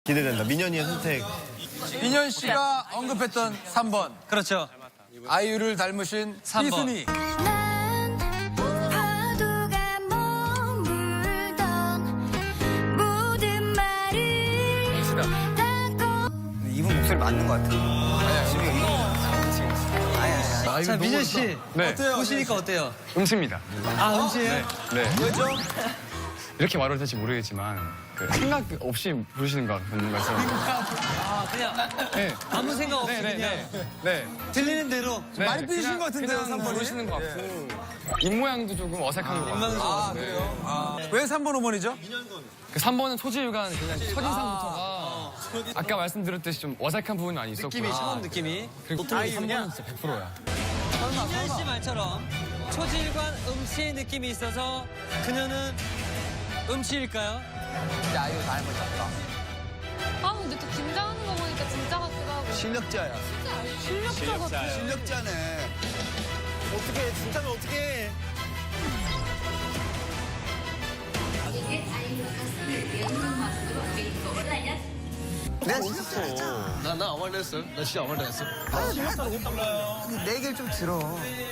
기대된다. 민현이의 선택. 민현 씨가 언급했던 3번. 그렇죠. 아이유를 닮으신 3번. 이순이. 난 파도가 머물던 모든 말을 다 이분 목소리 맞는 것 같아. 자, 민현 씨. 네. 보시니까 어때요? 음치입니다. 아, 음치예요? 네. 왜죠? 이렇게 말을 될지 모르겠지만 그 생각 없이 부르시는 것 같은 것처럼. 아, 그냥 네. 아무 생각 없이 네, 네, 그냥 네. 네. 들리는 대로. 네. 많이 삐지신 것 같은데요, 그냥 3번이? 부르시는 것 같고. 입모양도 조금 어색한 것 같아요. 아, 그래요? 아. 왜 3번 5번이죠? 그 3번은 소지유관 그냥 첫인상부터가 아까 말씀드렸듯이 좀 어색한 부분이 많이 있었고. 느낌이, 처음 느낌이. 그리고 3번은 진짜 100%야. 민현 씨 말처럼 초질관 음치의 느낌이 있어서 그녀는 음치일까요? 아이유 닮으셨다. 아 근데 또 긴장하는 거 보니까 진짜 같기도 하고. 실력자야. 실력자 같아. 실력자네. 어떻게 진짜면 어떻게? 내가 실력자였잖아. 나 아무 말도 했어. 나 진짜 아무 말도 했어. 근데 내 얘기를 좀 들어.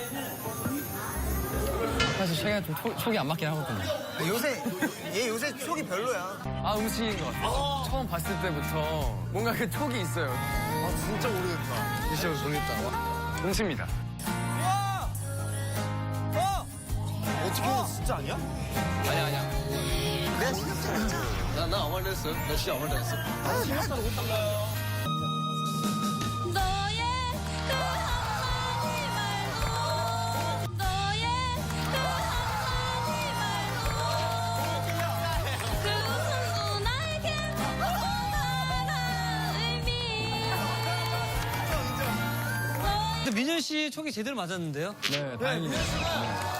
사실 제가 좀 촉이 안 맞긴 하거든요. 얘 요새 속이 별로야. 아, 음치인 것 같아요. 처음 봤을 때부터 뭔가 그 촉이 있어요. 아 진짜 모르겠다. 진짜 모르겠다. 음치입니다. 어떻게 진짜 아니야? 아니야. 내가 실력자였잖아. 나 아무 말도 했어. 나 진짜 아무 말도 했어. 너의 그 한마디 말로 너의 그 한마디 말로 그 웃음도 나에게 다양한 의미 근데 민현 씨 촉이 제대로 맞았는데요? 네, 다행이네요.